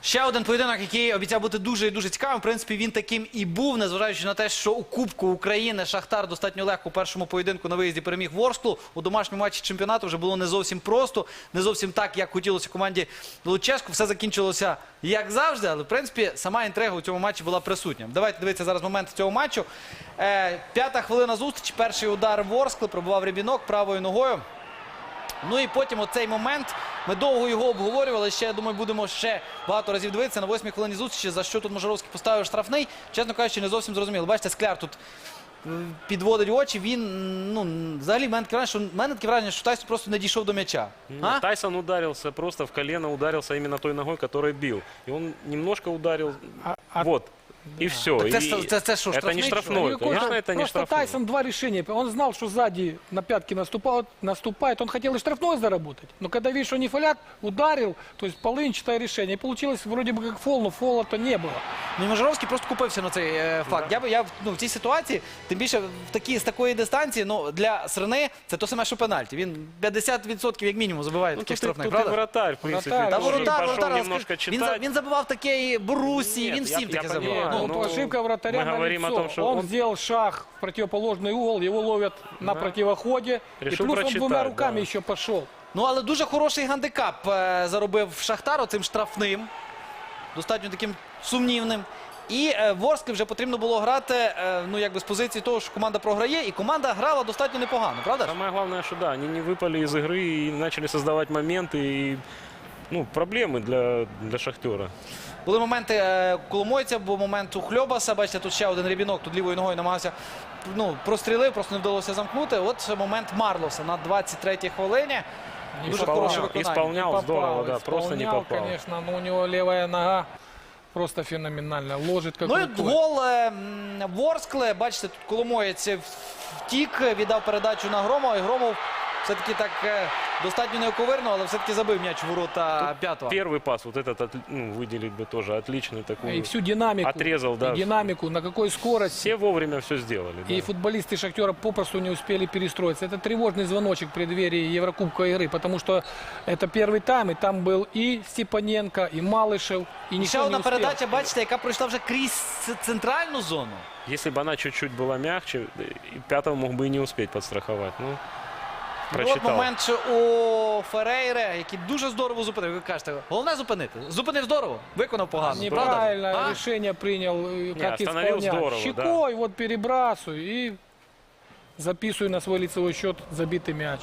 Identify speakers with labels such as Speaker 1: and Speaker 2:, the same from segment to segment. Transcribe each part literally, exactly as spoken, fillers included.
Speaker 1: Ще один поєдинок, який обіцяв бути дуже і дуже цікавим. В принципі, він таким і був, незважаючи на те, що у Кубку України Шахтар достатньо легко у першому поєдинку на виїзді переміг Ворсклу. У домашньому матчі чемпіонату вже було не зовсім просто, не зовсім так, як хотілося команді Луческу. Все закінчилося як завжди, але, в принципі, сама інтрига у цьому матчі була присутня. Давайте дивитися зараз момент цього матчу. Е, п'ята хвилина зустрічі, перший удар Ворскли, пробував Рябінок правою ногою. Ну і потім оцей момент, ми довго його обговорювали, ще, я думаю, будемо ще багато разів дивитися на восьмій хвилині зустрічі, за що тут Можоровський поставив штрафний. Чесно кажучи, не зовсім зрозуміло. Бачите, Скляр тут підводить очі, він, ну, взагалі, в мене таке враження, що, в мене таке враження, що Тайсон просто не дійшов до м'яча.
Speaker 2: А? Тайсон ударился просто в колено, ударился именно той ногой, которой бил. И он немножко ударил,
Speaker 3: А- а-
Speaker 2: вот, и все.
Speaker 1: Так
Speaker 2: И
Speaker 1: це- це- це що,
Speaker 2: это
Speaker 1: штрафний,
Speaker 2: не
Speaker 1: что ли?
Speaker 2: штрафной,
Speaker 3: Какой-то-
Speaker 2: конечно, это не
Speaker 3: Просто
Speaker 2: штрафной.
Speaker 3: Тайсон два решения. Он знал, что сзади на пятки наступает, наступает. Он хотел и штрафной заработать. Но когда видишь, что не фолят, ударил, то есть полынчатое решение. И получилось вроде бы как фол, но фола-то не было.
Speaker 1: Ну, і Можоровський просто купився на цей е, факт. Я, би- я ну, в цій ситуації, тим більше в такі, з такої дистанції, ну, для Срни це то саме, що пенальті. Він п'ятдесят відсотків як мінімум забиває
Speaker 2: Ну,
Speaker 1: таких
Speaker 2: тут, и-
Speaker 1: штрафних,
Speaker 2: тут и
Speaker 1: правда?
Speaker 2: вратарь, в принципе,
Speaker 3: Вратарь,
Speaker 1: Та
Speaker 3: Та
Speaker 2: тоже
Speaker 1: воротар,
Speaker 2: пошел
Speaker 1: воротар,
Speaker 2: немножко
Speaker 1: він, за-
Speaker 2: читать.
Speaker 1: він забивав такі Борусі,
Speaker 2: Нет,
Speaker 1: він
Speaker 2: я-
Speaker 1: всім
Speaker 2: я
Speaker 1: таке
Speaker 2: понимаю,
Speaker 1: забивав.
Speaker 3: Ну,
Speaker 2: ну,
Speaker 3: вот ошибка вратаря
Speaker 2: мы
Speaker 3: на
Speaker 2: говорим о
Speaker 3: лицо.
Speaker 2: том, что
Speaker 3: он,
Speaker 2: он-
Speaker 3: сделал шаг в противоположный угол, его ловят на
Speaker 2: Да.
Speaker 3: противоходе.
Speaker 2: Решил
Speaker 3: и плюс он
Speaker 2: прочитать,
Speaker 3: двумя руками
Speaker 2: да.
Speaker 3: еще пошел.
Speaker 1: Ну, але дуже хороший гандикап е, заробив Шахтар цим штрафним. Достатньо таким сумнівним. І е, Ворсклі вже потрібно було грати, е, ну, якби з позиції того, що команда програє. І команда грала достатньо непогано, правда ж?
Speaker 2: Самое главное, что да, они не выпали из игры и начали создавать моменты и ну, проблемы для, для Шахтера.
Speaker 1: Були моменти е, Коломойця, був момент у Хльобаса. Бачите, тут ще один Рябінок, тут лівою ногою намагався, ну, прострілив, просто не вдалося замкнути. От момент Марлоса на двадцять третій хвилині. Дуже
Speaker 2: Исполнял,
Speaker 1: хороше виконання.
Speaker 2: исполнял
Speaker 3: Не
Speaker 2: здорово,
Speaker 3: попал,
Speaker 2: да, просто не
Speaker 3: исполнял,
Speaker 2: попал.
Speaker 3: конечно, но у него левая нога просто феноменальная. Ложит как
Speaker 1: Ну і
Speaker 3: рукой.
Speaker 1: гол е, м, Ворскли. Бачите, тут Коломоєць втік, віддав передачу на Громова. І Громов все-таки так е, достатньо неоковирно, але все-таки забив м'яч в ворота п'ятого.
Speaker 2: Первый пас, вот этот, отли- ну, выделить бы тоже отличный такой.
Speaker 3: И всю динамику.
Speaker 2: Отрезал, да.
Speaker 3: И динамику, на какой скорости.
Speaker 2: Все вовремя все сделали.
Speaker 3: И
Speaker 2: Да.
Speaker 3: футболисты Шахтера попросту не успели перестроиться. Это тревожный звоночек в преддверии Еврокубка игры, потому что это первый тайм, и там был и Степаненко, и Малышев, и
Speaker 1: І
Speaker 3: никто
Speaker 1: ще
Speaker 3: не
Speaker 1: одна
Speaker 3: успел.
Speaker 1: передача, бачите, яка пройшла вже крізь ц- центральну зону.
Speaker 2: Если бы она чуть-чуть была мягче, и пятого мог бы и не успеть подстраховать. Ну,
Speaker 1: І от
Speaker 2: прочитал.
Speaker 1: момент ще у Ферейре, який дуже здорово зупинив. Ви кажете, головне зупинити. Зупинив здорово, виконав погано.
Speaker 3: Неправильное
Speaker 1: правда? А?
Speaker 3: решение принял, э, как
Speaker 2: остановил
Speaker 3: исполнять.
Speaker 2: здорово,
Speaker 3: Щекой вот перебрасываю и записываю на свой лицевой счет забитый мяч.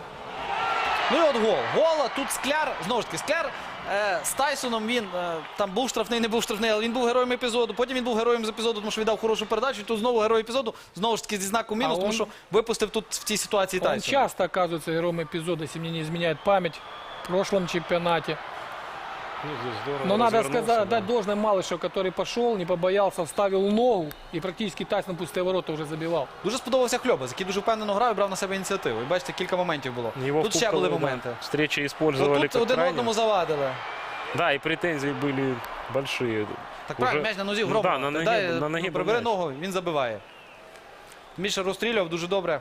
Speaker 1: Ну і от гол. Гол, а тут Скляр, знову ж таки, Скляр е, з Тайсоном, він е, там був штрафний, не був штрафний, але він був героєм епізоду. Потім він був героєм з епізоду, тому що віддав хорошу передачу. І тут знову герой епізоду, знову ж таки зі знаком мінус,
Speaker 3: А
Speaker 1: тому
Speaker 3: он-
Speaker 1: що випустив тут в цій ситуації
Speaker 3: Он
Speaker 1: Тайсона.
Speaker 3: часто оказывается героем эпизода, если мне не изменяет память, в прошлом чемпионате.
Speaker 2: Ну, здесь здорово
Speaker 3: Но надо
Speaker 2: развернулся,
Speaker 3: сказать,
Speaker 2: да.
Speaker 3: дать должное Малышеву, который пошел, не побоялся, вставил ногу и практически Тайсон пустые ворота уже забивал.
Speaker 1: Дуже сподобався Хльобас, який дуже впевнено грав і брав на себе ініціативу. І бачите, кілька моментів було.
Speaker 2: Его
Speaker 1: Тут
Speaker 2: в
Speaker 1: ще були
Speaker 2: кубковой, да,
Speaker 1: моменти.
Speaker 2: встречи использовали
Speaker 1: Тут
Speaker 2: как
Speaker 1: один
Speaker 2: крайне.
Speaker 1: одному завадили.
Speaker 2: Да, и претензии были большие.
Speaker 1: Так
Speaker 2: Уже-
Speaker 1: правильно, м'яч на нозі
Speaker 2: Ну
Speaker 1: Громова.
Speaker 2: да, на ногі-
Speaker 1: Дай,
Speaker 2: на
Speaker 1: ну,
Speaker 2: ногі
Speaker 1: прибери
Speaker 2: був
Speaker 1: ногу, він забиває. Міша розстрілював дуже добре.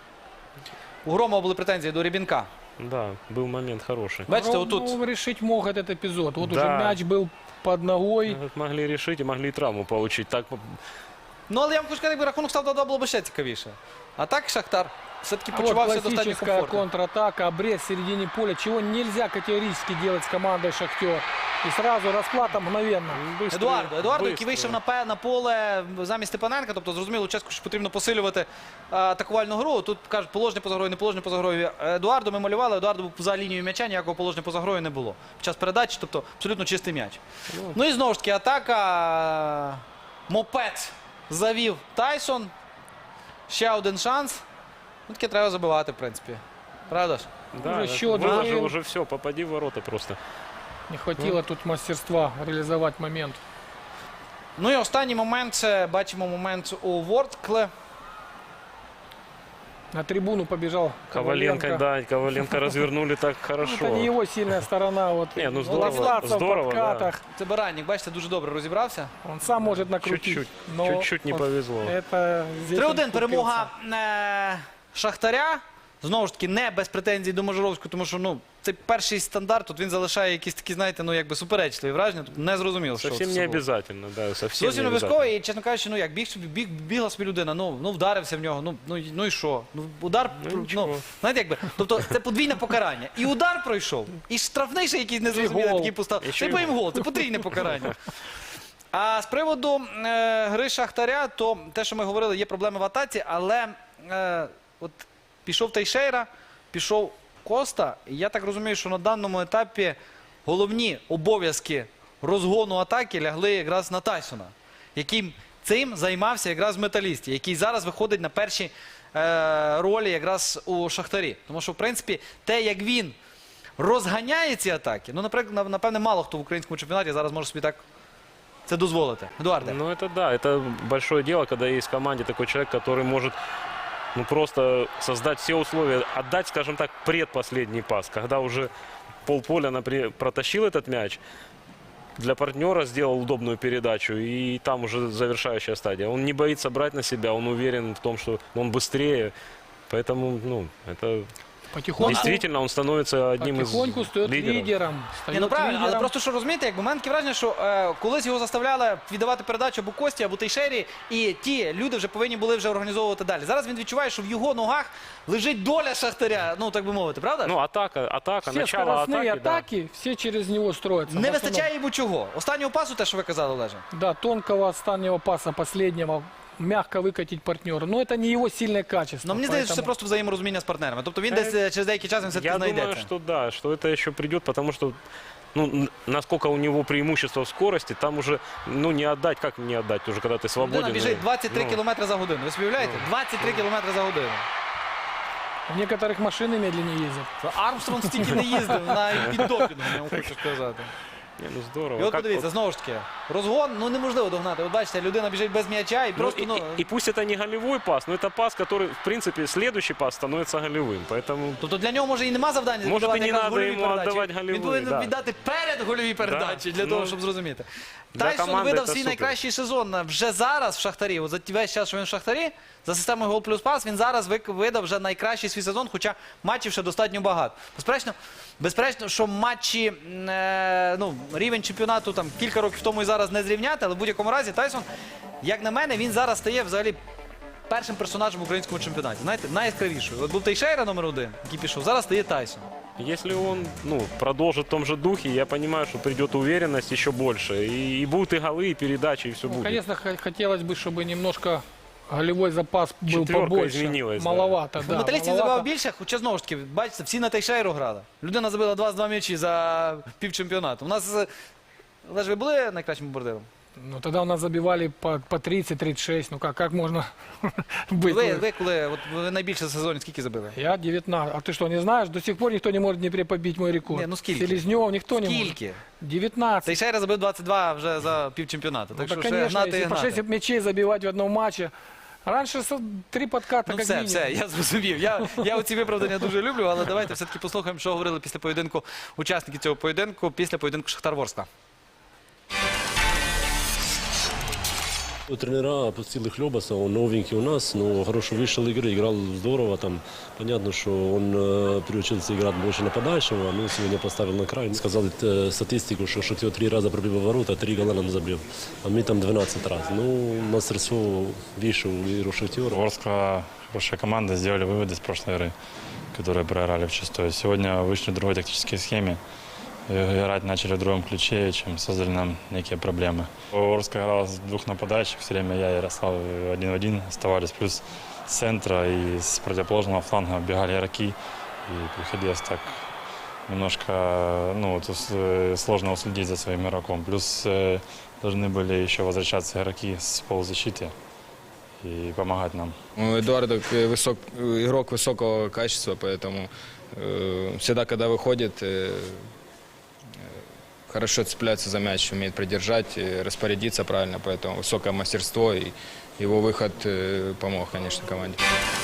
Speaker 1: У Громова були претензії до Рябінка.
Speaker 2: Да, был момент хороший.
Speaker 1: Бачите,
Speaker 3: Ну,
Speaker 1: отут.
Speaker 3: ну, решить мог этот эпизод. Вот
Speaker 2: Да.
Speaker 3: уже мяч был под ногой.
Speaker 2: Вот Могли решить и могли и травму получить. Так,
Speaker 1: Ну, але я вам хочу сказати, якби рахунок став два-два, було б ще цікавіше. А так Шахтар все-таки
Speaker 3: А вот
Speaker 1: почувався достатньо
Speaker 3: классическая
Speaker 1: комфортно.
Speaker 3: контратака, обрез в середине поля, чего нельзя категорически делать с командой «Шахтер». И сразу расплата мгновенно.
Speaker 2: быстро,
Speaker 1: Едуардо, Едуардо, який
Speaker 2: быстро.
Speaker 1: вийшов на, пе- на поле замість Степаненка, тобто зрозуміло, чесно, що потрібно посилювати е, атакувальну гру. Тут кажуть, положення поза грою, не положення поза грою. Едуардо ми малювали, Едуардо був за лінією м'яча, ніякого положення поза грою не було. Під час передачі, тобто абсолютно чистий м'яч.
Speaker 2: Ну.
Speaker 1: Ну і знову ж таки атака. Мопед завів Тайсон. Ще один шанс. Ну таке треба забивати, в принципі. Правда ж?
Speaker 2: Да,
Speaker 3: Уже
Speaker 2: это
Speaker 3: счет
Speaker 2: выложил
Speaker 3: был.
Speaker 2: уже все, попади в ворота просто.
Speaker 3: Не хватило тут мастерства реализовать момент.
Speaker 1: Ну і останній момент, це бачимо момент у Ворскле.
Speaker 3: На трибуну побежал
Speaker 2: Коваленко,
Speaker 3: Коваленко.
Speaker 2: да, Коваленко развернули так
Speaker 3: Ну,
Speaker 2: хорошо.
Speaker 3: это не его сильная сторона. Вот,
Speaker 2: Не, ну
Speaker 3: вот
Speaker 2: здорово,
Speaker 3: остаться в
Speaker 2: здорово, да.
Speaker 3: подкатах.
Speaker 1: Це Баранник, бачите, дуже добре розібрався.
Speaker 3: Он сам может накрутить.
Speaker 2: Чуть-чуть,
Speaker 3: но
Speaker 2: чуть-чуть не
Speaker 3: вот
Speaker 2: повезло.
Speaker 3: Это здесь
Speaker 1: три
Speaker 3: он
Speaker 1: один
Speaker 3: купился.
Speaker 1: перемога е, Шахтаря. Знову ж таки, не без претензій до Можоровського, тому що ну, цей перший стандарт, тут він залишає якісь такі, знаєте, ну якби суперечливі враження, тут не зрозуміло, що
Speaker 2: Совсем
Speaker 1: це
Speaker 2: не
Speaker 1: було.
Speaker 2: обязательно, да, совсем
Speaker 1: Зовсім
Speaker 2: не
Speaker 1: не
Speaker 2: обязательно.
Speaker 1: обов'язково, і, чесно кажучи, ну як, біг собі, біг, бігла собі людина, ну, ну вдарився в нього, ну, ну, і- ну і що? Ну, удар,
Speaker 2: Ну,
Speaker 1: ну,
Speaker 2: нічого.
Speaker 1: знаєте, якби, тобто це подвійне покарання. І удар пройшов, і штрафний ще якийсь незрозумілий
Speaker 3: гол.
Speaker 1: такий поставив.
Speaker 2: І ще
Speaker 1: Це
Speaker 2: й
Speaker 1: по їм
Speaker 2: гол.
Speaker 1: гол, це потрійне покарання. А з приводу е, гри Шахтаря, то те, що ми говорили, є проблеми в атаці, але е, от пішов Тейшейра, пішов Коста, і я так розумію, що на даному етапі головні обов'язки розгону атаки лягли якраз на Тайсона, яким цим займався якраз в Металісті, який зараз виходить на перші е, ролі якраз у Шахтарі. Тому що, в принципі, те, як він розганяє ці атаки, ну, наприклад, напевне, мало хто в українському чемпіонаті зараз може собі так це дозволити. Едуарде.
Speaker 2: Ну, это да, это большое дело, когда есть в команде такой человек, который может ну, просто создать все условия, отдать, скажем так, предпоследний пас, когда уже полполя, например, протащил этот мяч, для партнера сделал удобную передачу, и там уже завершающая стадия. Он не боится брать на себя, он уверен в том, что он быстрее, поэтому, ну, это
Speaker 3: Потихоньку,
Speaker 2: действительно он становится одним из
Speaker 3: потихоньку стает
Speaker 2: лидеров.
Speaker 3: лидером.
Speaker 1: Ні,
Speaker 3: Стает
Speaker 1: ну правильно, але
Speaker 3: лидером.
Speaker 1: просто що розумієте, якби в мене таке враження, що е, колись його заставляли віддавати передачу або Кості, або Тейшері, і ті люди вже повинні були вже організовувати далі. Зараз він відчуває, що в його ногах лежить доля Шахтаря, ну так би мовити, правда?
Speaker 2: Ну, атака, атака,
Speaker 3: Все
Speaker 2: начало
Speaker 3: скоростные
Speaker 2: атаки, да.
Speaker 3: атаки, все через него строятся.
Speaker 1: Не
Speaker 3: В основном.
Speaker 1: вистачає йому чого? Останнього пасу, те, що ви казали, Олеже.
Speaker 3: Да, тонкого останнего паса, последнего, мягко выкатить партнера. Но это не его сильное качество.
Speaker 1: Ну мені здається, що це
Speaker 3: поэтому-
Speaker 1: просто взаєморозуміння з партнерами. Тобто він
Speaker 2: Е,
Speaker 1: десь е, через деякий час він все-таки
Speaker 2: Я
Speaker 1: знайдеться.
Speaker 2: думаю, что да, что это еще придет, потому что ну, н- насколько у него преимущество в скорости, там уже ну, не отдать, как не отдать, уже когда ты свободен.
Speaker 1: Людина біжить двадцять три
Speaker 2: Ну,
Speaker 1: кілометри за годину. Ви собі уявляєте? двадцять три кілометри за годину.
Speaker 3: В некоторых машины медленнее ездят.
Speaker 1: Армстронг стільки не їздив на піддопінгу, я вам хочу сказати.
Speaker 2: Не, ну здорово.
Speaker 1: І от
Speaker 2: Как
Speaker 1: подивіться, знову ж таки, розгон, ну неможливо догнати. От бачите, людина біжить без м'яча і
Speaker 2: Ну,
Speaker 1: просто,
Speaker 2: и,
Speaker 1: ну...
Speaker 2: и- и пусть это не голевой пас, но это пас, который, в принципе, следующий пас становится голевым. Поэтому
Speaker 1: Тобто для нього може і нема завдання
Speaker 2: Може,
Speaker 1: віддавати
Speaker 2: і не
Speaker 1: якраз
Speaker 2: надо
Speaker 1: гольові
Speaker 2: йому
Speaker 1: передачі.
Speaker 2: віддавати гольові,
Speaker 1: Він повинен
Speaker 2: да.
Speaker 1: віддати перед гольові передачі для
Speaker 2: Ну,
Speaker 1: того, щоб зрозуміти.
Speaker 2: для
Speaker 1: Тайсон
Speaker 2: команди
Speaker 1: видав
Speaker 2: це
Speaker 1: свій
Speaker 2: супер.
Speaker 1: найкращий сезон вже зараз в Шахтарі. От за весь час, що він в Шахтарі, за системою гол плюс пас, він зараз вик- видав вже найкращий свій сезон, хоча матчів ще достатньо багато. Безперечно, безперечно, що матчі, м, е, ну, рівень чемпіонату там кілька років тому і зараз не зрівняти, але в будь-якому разі Тайсон, як на мене, він зараз стає взагалі першим персонажем в українському чемпіонаті. Знаєте, найяскравішою. От був Тейшейра номер один, який пішов, зараз стає Тайсон.
Speaker 2: если он ну, продолжит в том же духе, я понимаю, что придет уверенность еще больше. И, и будут и голы, и передачи, и все
Speaker 3: Ну,
Speaker 2: будет.
Speaker 3: конечно, х- хотелось бы, чтобы немножко голевой запас был
Speaker 2: Четверка
Speaker 3: побольше.
Speaker 2: изменилась, да.
Speaker 3: Маловато, да.
Speaker 1: Ну, металістів
Speaker 3: маловато.
Speaker 1: забивав більше, хоча знову ж таки, бачите, всі на Тейшейру грали. Людина забила двадцять два м'ячі за півчемпіонату. У нас, е, Олеж, ви були найкращим бомбардиром?
Speaker 3: Ну, тогда у нас забивали по, по тридцать тридцать шесть. Ну, как, как можно быть?
Speaker 1: Ви,
Speaker 3: Ну,
Speaker 1: ви коли от, ви найбільше в сезоні скільки забили?
Speaker 3: Я девятнадцать. А ты что, не знаешь? До сих пор никто не может в Днепре побить мой рекорд.
Speaker 1: Не, ну скільки?
Speaker 3: Селезнев никто не может.
Speaker 1: Скільки?
Speaker 3: девятнадцать.
Speaker 1: Тейшейра забив двадцять два вже за півчемпіонату.
Speaker 3: Ну,
Speaker 1: Так
Speaker 3: да,
Speaker 1: що ще
Speaker 3: конечно,
Speaker 1: гнати і
Speaker 3: если по
Speaker 1: гнати.
Speaker 3: шесть мячей забивать в одном матче. Раньше со- три подката,
Speaker 1: Ну
Speaker 3: как
Speaker 1: все,
Speaker 3: минимум.
Speaker 1: все, я зрозумів. Я, я оці виправдання дуже люблю, але давайте все-таки послухаємо, що говорили після поєдинку учасники цього поєдинку, після поєдинку Шахтар-Ворскла.
Speaker 4: У тренера опустили Хлебаса, он новенький у нас, но хорошо вышел игры, играл здорово. Там понятно, что он э, приучился играть больше нападающего, но сегодня поставил на край. Сказал э, статистику, что Шахтер три раза пробил ворота, три гола нам забил, а мы там двенадцать раз. Ну, мастерство выше у игру Шахтера.
Speaker 5: Ворскла хорошая команда, сделали выводы с прошлой игры, которые проиграли в шестой. Сегодня вышли в другой тактической схеме. И играть начали в другом ключе, чем создали нам некие проблемы. Ворскла играла с двух нападающих, все время я и Ярослав один в один оставались. Плюс с центра и с противоположного фланга бегали игроки. И приходилось так немножко ну, вот, ус- сложно уследить за своим игроком. Плюс э, должны были еще возвращаться игроки с полузащиты и помогать нам.
Speaker 6: Ну, Эдуардо к- высок, игрок высокого качества, поэтому э, всегда, когда выходит, э, э, хорошо цепляется за мяч, умеет придержать, э, распорядиться правильно, поэтому высокое мастерство и его выход э, помог, конечно, команде.